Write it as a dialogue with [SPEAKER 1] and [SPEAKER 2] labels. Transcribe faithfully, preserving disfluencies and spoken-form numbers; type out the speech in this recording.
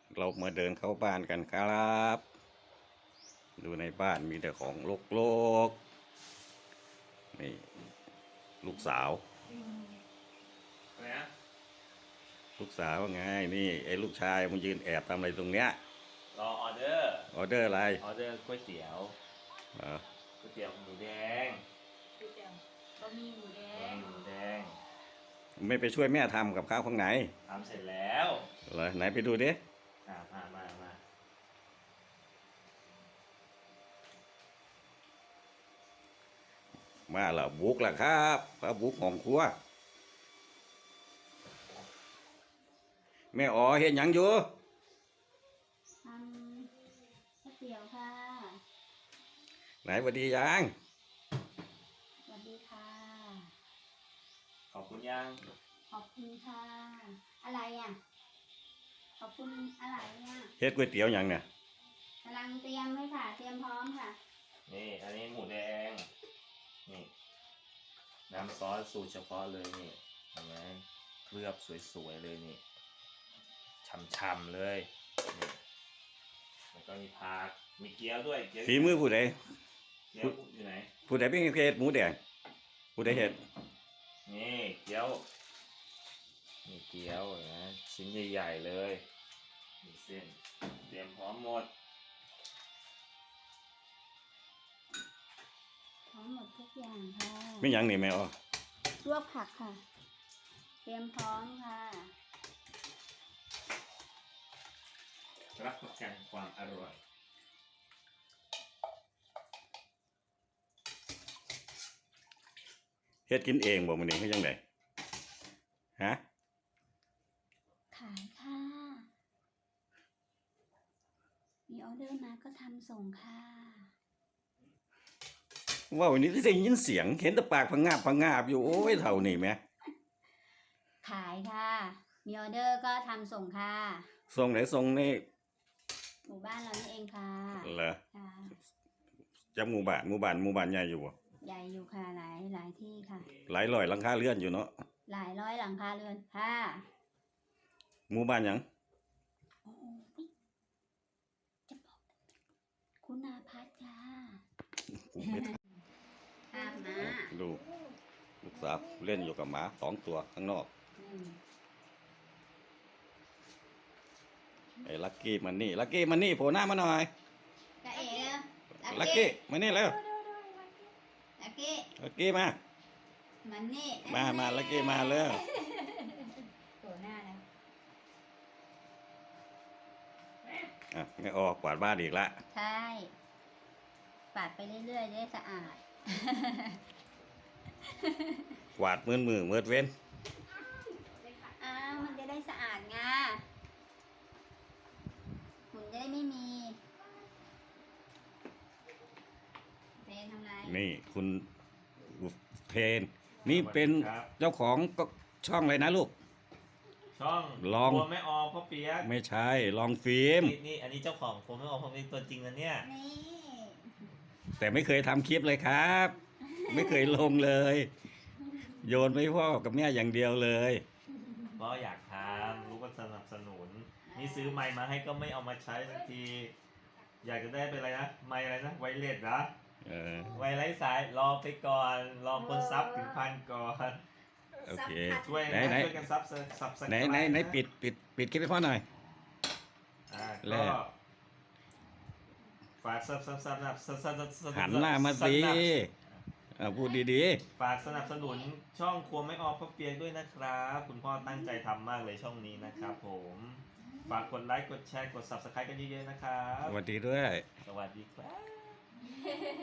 [SPEAKER 1] เรามาเดินเข้าบ้านกันครับดูในบ้านมีแต่ของโลกๆนี่ลูกสาว
[SPEAKER 2] อะไรนะ
[SPEAKER 1] ลูกสาวไงนี่ไอ้ลูกชายมันยืนแอบทำอะไรตรงเนี้ย
[SPEAKER 2] รอออเดอร์
[SPEAKER 1] ออเดอร์อะไร
[SPEAKER 2] ออเดอร์ก๋วยเตี๋ยว
[SPEAKER 1] อ๋อ
[SPEAKER 2] ก๋วยเตี๋ยวหมูแดง
[SPEAKER 3] ก๋วยเตี๋ยวบะหมี่หมูแดง
[SPEAKER 2] หมูแดง
[SPEAKER 1] ไม่ไปช่วยแม่ทำกับข้าวข้างไหน
[SPEAKER 2] ทำเสร็จแล้ว
[SPEAKER 1] เหรอไหนไปดูดิ
[SPEAKER 2] อ่ามามามา
[SPEAKER 1] มาแล้วบุกแล้วครับพระบุกของครัวแม่อ๋อเห็นยังอยู่
[SPEAKER 3] ทำก๋วยเตี๋ยวค่ะ
[SPEAKER 1] ไหนสวัสดียัง
[SPEAKER 3] สวัสดีค่ะ
[SPEAKER 2] ขอบคุณยัง
[SPEAKER 3] ขอบคุณค่ะอะไรอ่ะขอบคุณอะไรเนี่ย
[SPEAKER 1] เฮ็ดก๋วยเตี๋ยวยังเนี่ย
[SPEAKER 3] กำลังเตรียมเลยค่ะเตรียมพร้อมค่ะ
[SPEAKER 2] นี่อันนี้หมูแดงนี่น้ำซอสสูตรเฉพาะเลยนี่เห็นไหมเคลือบสวยๆเลยนี่ช่ำๆเลยนี่แล้วก็มีผักมีเกี๊ยวด้วยเกี๊ยว
[SPEAKER 1] ฝีมือผู้ใด
[SPEAKER 2] เกี๊ยวอยู่ไหน
[SPEAKER 1] ผู้ใดเป็นเฮ็ดหมูแดงผู้ใดเฮ็ด
[SPEAKER 2] นี่เกี๊ยวมีเกี๊ยวนะชิ้นใหญ่ๆเลยมีเส้นเตรียมพร้อมหมด
[SPEAKER 3] พร้อมหมดทุกอย่างค่ะ
[SPEAKER 1] ไม่ยังนี่แม่อ๋อ
[SPEAKER 3] ลวกผักค่ะเตรียมพร้อมค่ะ
[SPEAKER 2] รับประกันความอร่อย
[SPEAKER 1] เฮ็ดกินเองบ่มื้อนี้เฮ็ดจังได๋ฮะ
[SPEAKER 3] ขายค่ะมีออเดอร์มาก็ทำส่งค่ะ
[SPEAKER 1] ว่าวันนี้ได้ยินเสียงเห็นแต่ปากพังงาบพังงาบอยู่โอ้ยเท่านี้แม่
[SPEAKER 3] ขายค่ะมีออเดอร์ก็ทำส่งค่ะ
[SPEAKER 1] ส่งไหนส่งใน
[SPEAKER 3] หมู่บ้านเรานี่เองค่ะ
[SPEAKER 1] เหรอ
[SPEAKER 3] ค่ะ
[SPEAKER 1] จักหมู่บ้านหมู่บ้านหมู่บ้านใหญ่อยู่บ่
[SPEAKER 3] ใหญ่อยู่ค่ะหลายหลายที่ค่ะ
[SPEAKER 1] หลายร้อยหลังคาเรือนอยู่เนาะ
[SPEAKER 3] หลายร้อยหลังคาเรือนค่ะ
[SPEAKER 1] หมู่บ้านหยัง
[SPEAKER 3] โอ้ยจะบอกคุณอาพัฒน์ค่ะอาบน้
[SPEAKER 1] ดูลูกสาวเล่นอยู่กับหมาสองตัวข้างนอกไอ้ลักกี้มันนี่ลักกี้มันนี่โผล่หน้ามาหน่อย
[SPEAKER 3] กะเอ๋
[SPEAKER 1] ลักกี้มานี่แล้ว
[SPEAKER 3] ลักกี้
[SPEAKER 1] ลักกี้มา
[SPEAKER 3] มันนี่
[SPEAKER 1] มามาลักกี้มาแล้ว
[SPEAKER 3] โผล่หน้าแล้ว
[SPEAKER 1] อ่ะไม่ออกกวาดบ้านอีกละ
[SPEAKER 3] ใช่ปาดไปเรื่อยๆได้สะอาด
[SPEAKER 1] กวาดมือมือมือเว้น
[SPEAKER 3] อ้าวมันจะได้สะอาดไงฝุ่นจะได้ไม่มีเทนทำไร
[SPEAKER 1] นี่คุณเทนนี่เป็นเจ้าของช่องอะไรนะลูก
[SPEAKER 2] ช่อง
[SPEAKER 1] ลอง
[SPEAKER 2] ไม่ออพ่อเปียก
[SPEAKER 1] ไม่ใช่ลองฟิล์ม
[SPEAKER 2] นี่อันนี้เจ้าของผมไม่ออพ่อเปียกตัวจริงนะเนี่ย
[SPEAKER 3] นี่
[SPEAKER 1] แต่ไม่เคยทำคลิปเลยครับไม่เคยลงเลยโยนไปพ่อกับแม่อย่างเดียวเลย
[SPEAKER 2] ก็อยากทำรู้ว่าสนับสนุนนี่ซื้อไมค์มาให้ก็ไม่เอามาใช้สักทีอยากจะได้เป็นอะไรนะไมค์อะไรนะไวเลสเหรอไวไร้สายรอไปก่อนรอคนซับถึงพันก่อน
[SPEAKER 1] โอเค
[SPEAKER 2] ช่วยช่วยกันซับซับ
[SPEAKER 1] ไหนไหนไหนปิดปิดปิดคลิปให้พ่อหน่อย
[SPEAKER 2] อ่าก็ฝากซับซับซับซับ
[SPEAKER 1] หันหน้ามาสิพูดดี
[SPEAKER 2] ๆฝากสนับสนุนช่องครัวไม่ออกพ่อเปียกด้วยนะครับคุณพ่อตั้งใจทำมากเลยช่องนี้นะครับผมฝากกดไลค์กดแชร์กด ซับสไครบ์ กันเยอะๆนะครับ
[SPEAKER 1] สวัสดีด้วย
[SPEAKER 2] สวัสดีครับ